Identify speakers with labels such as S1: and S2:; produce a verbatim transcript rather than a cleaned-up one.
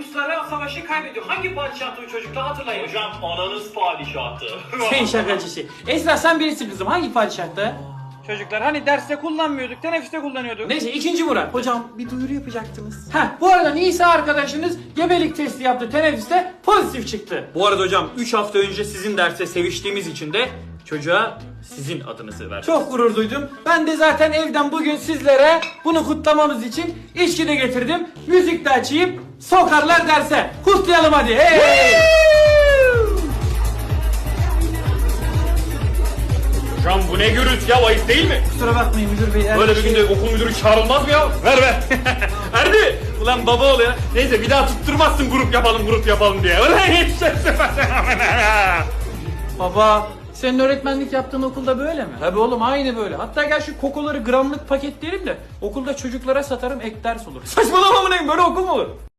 S1: Ruslara savaşı kaybediyor. Hangi padişahtı o çocuklar hatırlayın.
S2: Hocam ananız padişahtı.
S3: Sen şakacı şey. Esra sen birisin kızım. Hangi padişahta?
S1: Çocuklar hani derste kullanmıyorduk, teneffüste kullanıyorduk.
S3: Neyse ikinci Murat. Hocam bir duyuru yapacaktınız. Heh bu arada Nisa arkadaşınız gebelik testi yaptı teneffüste pozitif çıktı.
S4: Bu arada hocam üç hafta önce sizin derste seviştiğimiz için de çocuğa sizin adınızı verdim.
S3: Çok gurur duydum. Ben de zaten evden bugün sizlere bunu kutlamamız için içki de getirdim. Müzik de açayım. Sokarlar derse. Kutlayalım hadi. Hey!
S4: Hocam bu ne gürültü ya, ayıp değil mi?
S3: Kusura bakmayın müdür bey.
S4: Böyle bir günde okul müdürü çağrılmaz mı ya? Ver ver. Erdi. Ulan baba ol ya. Neyse bir daha tutturmazsın grup yapalım grup yapalım diye. Ulan hiç
S3: Baba senin öğretmenlik yaptığın okulda böyle mi? Tabii oğlum aynı böyle. Hatta gel şu kokoları gramlık paketleyelim de okulda çocuklara satarım ek ders olur. Saçmalama mı neyim, böyle okul mu olur?